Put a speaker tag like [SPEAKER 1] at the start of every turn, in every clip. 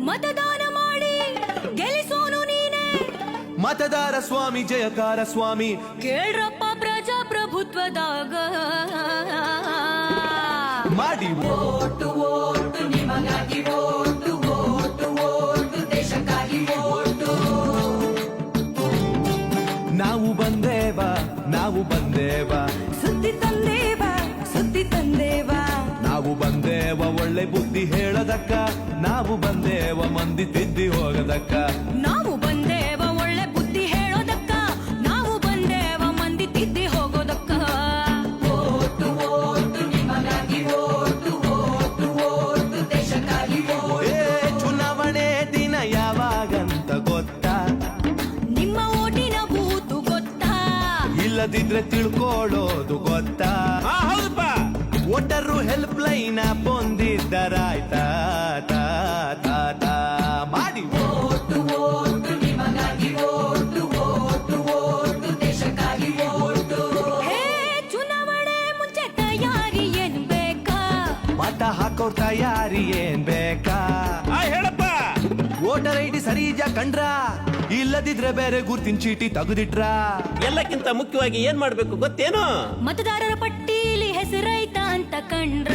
[SPEAKER 1] ಮತದಾನ ಮಾಡಿ ಗೆಲ್ಲಿಸೋನು ನೀನೆ.
[SPEAKER 2] ಮತದಾರ ಸ್ವಾಮಿ ಜಯಕಾರ ಸ್ವಾಮಿ
[SPEAKER 1] ಕೇಳ್ರಪ್ಪ ಪ್ರಜಾಪ್ರಭುತ್ವದಾಗ
[SPEAKER 2] ಮಾಡಿ
[SPEAKER 3] ಓಟು ಓಟು ನಿಮಗಾಗಿ ಓಟು ಓಟು ಓಟು ದೇಶಕ್ಕಾಗಿ ಓಟು.
[SPEAKER 2] ನಾವು ಬಂದೇವ
[SPEAKER 1] ಸುದ್ದಿ ತಂದೇವ
[SPEAKER 2] ನಾವು ಬಂದೇವ ಒಳ್ಳೆ ಬುದ್ಧಿ ಹೇಳದಕ್ಕ. ನಾವು ಬಂದೇವ ಮಂದಿ ತಿದ್ದಿ ಹೋಗದಕ್ಕ.
[SPEAKER 1] ನಾವು ಬಂದೇವ ಒಳ್ಳೆ ಬುದ್ಧಿ ಹೇಳೋದಕ್ಕ. ನಾವು ಬಂದೇವ ಮಂದಿ ತಿದ್ದಿ ಹೋಗೋದಕ್ಕ.
[SPEAKER 3] ಓಟು ಓಟು ನಿಮಗಾಗಿ ಓಟು ಓಟು ಓಟು ದೇಶಕ್ಕಾಗಿ ಓಟು.
[SPEAKER 2] ಚುನಾವಣೆ ದಿನ ಯಾವಾಗಂತ ಗೊತ್ತಾ?
[SPEAKER 1] ನಿಮ್ಮ ಓಟಿನ ಬೂತು ಗೊತ್ತಾ?
[SPEAKER 2] ಇಲ್ಲದಿದ್ರೆ ತಿಳ್ಕೊಳ್ಳೋದು ಗೊತ್ತಾ?
[SPEAKER 4] ಹೌದಪ್ಪ.
[SPEAKER 2] ವೋಟರು ಹೆಲ್ಪ್ ಲೈನ್ ಹೊಂದಿದ್ದರಾಯ್ತಾ? ಮಾಡಿ
[SPEAKER 3] ಓಟು ಓಟು ನಿಮಗಾಗಿ ಓಟು ಓಟು ಓಟು ದೇಶಕ್ಕಾಗಿ ಓಟು.
[SPEAKER 1] ಹೇ ಚುನಾವಣೆ ಮುಂಚೆ ತಯಾರಿ ಏನ್ ಬೇಕಾ?
[SPEAKER 2] ಮತ ಹಾಕೋರ್ ತಯಾರಿ ಏನ್ ಬೇಕಾ?
[SPEAKER 4] ಹೇಳಪ್ಪ.
[SPEAKER 2] ವೋಟರ್ ಐಡಿ ಸರಿಜ ಕಂಡ್ರ? ಇಲ್ಲದಿದ್ರೆ ಬೇರೆ ಗುರ್ತಿನ ಚೀಟಿ ತೆಗೆದಿಟ್ರ?
[SPEAKER 4] ಎಲ್ಲಕ್ಕಿಂತ ಮುಖ್ಯವಾಗಿ ಏನ್ ಮಾಡ್ಬೇಕು ಗೊತ್ತೇನು?
[SPEAKER 1] ಮತದಾರರ ಪಟ್ಟೀಲಿ ಹೆಸರೈತ ಅಂತ ಕಂಡ್ರ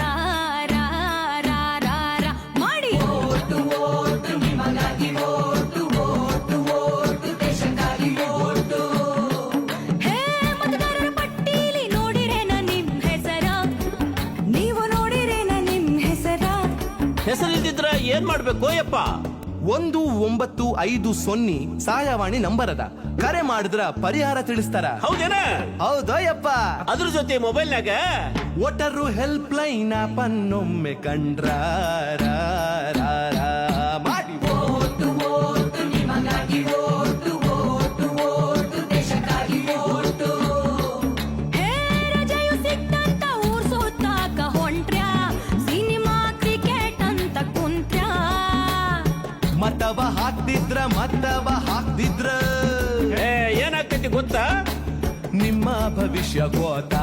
[SPEAKER 1] ಮಾಡಿ
[SPEAKER 3] ಓಟು ಓಟು ನಿಮಗಾಗಿ ಓಟು ಓಟು ಓಟು ದೇಶಕ್ಕಾಗಿ ಓಟು.
[SPEAKER 1] ಹೇ ಮತದಾರರ ಪಟ್ಟೀಲಿ ನೋಡಿರೇನ ನಿಮ್ ಹೆಸರ? ನೀವು ನೋಡಿರೇನ ನಿಮ್ ಹೆಸರ?
[SPEAKER 4] ಹೆಸರಿಲ್ದಿದ್ರ ಏನ್ ಮಾಡ್ಬೇಕು ಯಪ್ಪ?
[SPEAKER 2] 1950 ಸಹಾಯವಾಣಿ ನಂಬರ್ ಅದ. ಕರೆ ಮಾಡಿದ್ರ ಪರಿಹಾರ ತಿಳಿಸ್ತಾರ.
[SPEAKER 4] ಹೌದೇನ?
[SPEAKER 2] ಹೌದಯ್ಯಪ್ಪ.
[SPEAKER 4] ಅದ್ರ ಜೊತೆ ಮೊಬೈಲ್ನಾಗ
[SPEAKER 2] ವೋಟರು ಹೆಲ್ಪ್ ಲೈನ್ ಪನ್ನೊಮ್ಮೆ ಕಂಡ್ರ ಮಾಡಿ
[SPEAKER 3] ಓಟು ಓಟು ನಿಮಗಾಗಿ ಓಟು ಓಟು ಓಟು ದೇಶಕ್ಕಾಗಿ ಓಟು.
[SPEAKER 1] ಹೇ ರಜೆಯು ಸಿಕ್ತಂತ ಊರ್ ಸುತ್ತಾಕ ಹೊಂಟ್ರ್ಯಾ? ಸಿನಿಮಾ ಕ್ರಿಕೆಟ್ ಅಂತ ಕುಂತ್ರ್ಯಾ?
[SPEAKER 2] ಮತವ ಹಾಕ್ತಿದ್ರ
[SPEAKER 4] ಏನಾಗ್ತೈತಿ ಗೊತ್ತಾ?
[SPEAKER 2] ನಿಮ್ಮ ಭವಿಷ್ಯ ಗೋತಾ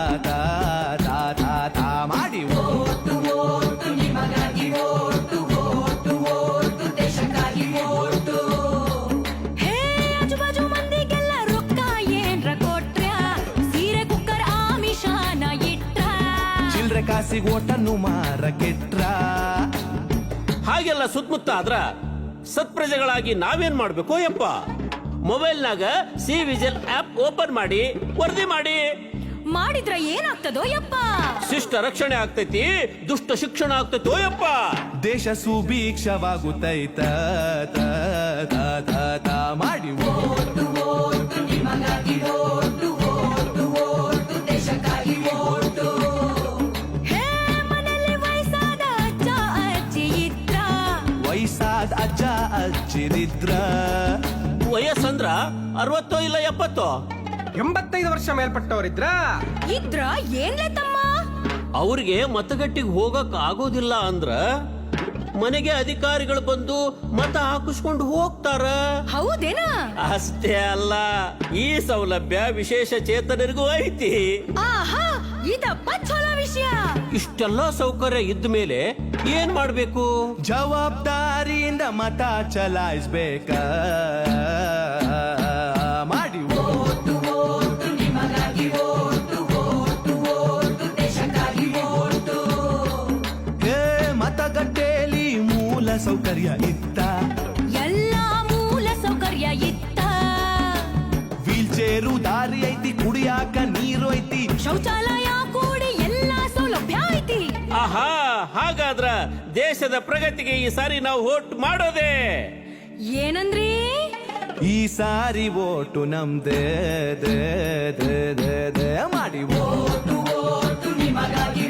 [SPEAKER 2] ಮಾಡಿ
[SPEAKER 3] ಓಟು ಓಟು ನಿಮಗಾಗಿ ಓಟು ಓಟು ಓಟು ದೇಶಕ್ಕಾಗಿ ಓಟು.
[SPEAKER 1] ಹೇ ಆಜುಬಾಜು ಮಂದಿಗೆಲ್ಲ ರೊಕ್ಕ ಏನ್ರ ಕೊಟ್ರ್ಯಾ? ಸೀರೆ ಕುಕ್ಕರ್ ಆಮಿಷಾನ ಇಟ್ರ?
[SPEAKER 2] ಚಿಲ್ರೆ ಕಾಸಿಗೆ ಓಟನ್ನು ಮಾರಕೆಟ್ರ?
[SPEAKER 4] ಹಾಗೆಲ್ಲ ಸುತ್ತಮುತ್ತ ಆದ್ರ ಸತ್ಪ್ರಜೆಗಳಾಗಿ ನಾವೇನ್ ಮಾಡ್ಬೇಕು ಯಪ್ಪ? ಮೊಬೈಲ್ನಾಗ ಸಿ ವಿಜಿಲ್ ಆಪ್ ಓಪನ್ ಮಾಡಿ ವರದಿ
[SPEAKER 1] ಮಾಡಿದ್ರ ಏನಾಗ್ತದೋ ಯಪ್ಪ?
[SPEAKER 4] ಶಿಷ್ಟ ರಕ್ಷಣೆ ಆಗ್ತೈತಿ, ದುಷ್ಟ ಶಿಕ್ಷಣ ಆಗ್ತೈತೋ ಯಪ್ಪ.
[SPEAKER 2] ದೇಶ ಸುಭೀಕ್ಷವಾಗುತ್ತೈತ ಮಾಡಿ
[SPEAKER 3] ಓಟು ಓಟು ನಿಮಗಾಗಿ ಓಟು ಓಟು ಓಟು ದೇಶಕ್ಕಾಗಿ ಓಟು.
[SPEAKER 1] ಹೇ ಮನೆಯಲ್ಲಿ ವಯಸ್ಸಾದ ಅಜ್ಜ ಅಜ್ಜಿ ಇದ್ರ?
[SPEAKER 2] ವಯಸ್ಸಾದ ಅಜ್ಜ ಅಜ್ಜಿರಿದ್ರ?
[SPEAKER 4] ವಯಸ್ಸಂದ್ರ 60 ಇಲ್ಲ 70?
[SPEAKER 5] 85 ವರ್ಷ ಮೇಲ್ಪಟ್ಟವರಿದ್ರ?
[SPEAKER 1] ಇದ್ರ ಏನ್ಲೆ ತಮ್ಮ?
[SPEAKER 4] ಅವ್ರಿಗೆ ಮತಗಟ್ಟಿಗೆ ಹೋಗಕ್ ಆಗೋದಿಲ್ಲ ಅಂದ್ರ ಮನೆಗೆ ಅಧಿಕಾರಿಗಳು ಬಂದು ಮತ ಹಾಕಿಸ್ಕೊಂಡು ಹೋಗ್ತಾರ.
[SPEAKER 1] ಹೌದೇನಾ?
[SPEAKER 4] ಅಷ್ಟೇ ಅಲ್ಲ, ಈ ಸೌಲಭ್ಯ ವಿಶೇಷ ಚೇತನರಿಗೂ ಐತಿ.
[SPEAKER 1] ಆಹಾ, ಇದಪ್ಪ ಚಲೋ ವಿಷಯ.
[SPEAKER 4] ಇಷ್ಟೆಲ್ಲ ಸೌಕರ್ಯ ಇದ್ದ ಮೇಲೆ ಏನ್ ಮಾಡ್ಬೇಕು?
[SPEAKER 2] ಜವಾಬ್ದಾರಿಯಿಂದ ಮತ ಚಲಾಯಿಸ್ಬೇಕ ಮಾಡಿ
[SPEAKER 3] ಓಟು ಓಟು ನಿಮಗಾಗಿ ಓಟು ಓಟು ಓಟು ದೇಶಕ್ಕಾಗಿ ಓಟು.
[SPEAKER 2] ಹೇ ಮತಗಟ್ಟೆಯಲ್ಲಿ ಮೂಲ ಸೌಕರ್ಯ ಇತ್ತ?
[SPEAKER 1] ಎಲ್ಲಾ ಮೂಲ ಸೌಕರ್ಯ ಇತ್ತ?
[SPEAKER 2] ವೀಲ್ ಚೇರು ದಾರಿ ಐತಿ, ಕುಡಿಯಾಕ ನೀರು ಐತಿ,
[SPEAKER 1] ಶೌಚಾಲಯ ಕೂಡಿ ಎಲ್ಲಾ ಸೌಲಭ್ಯ ಐತಿ.
[SPEAKER 4] ಆಹಾ, ಹಾಗಾದ್ರ ದೇಶದ ಪ್ರಗತಿಗೆ ಈ ಸಾರಿ ನಾವು ವೋಟ್ ಮಾಡೋದೇ.
[SPEAKER 1] ಏನಂದ್ರಿ?
[SPEAKER 2] ಈ ಸಾರಿ ಓಟು ನಮ್ದೇ ಮಾಡಿ
[SPEAKER 3] ಓಟು ಓಟು ನಿಮಗಾಗಿ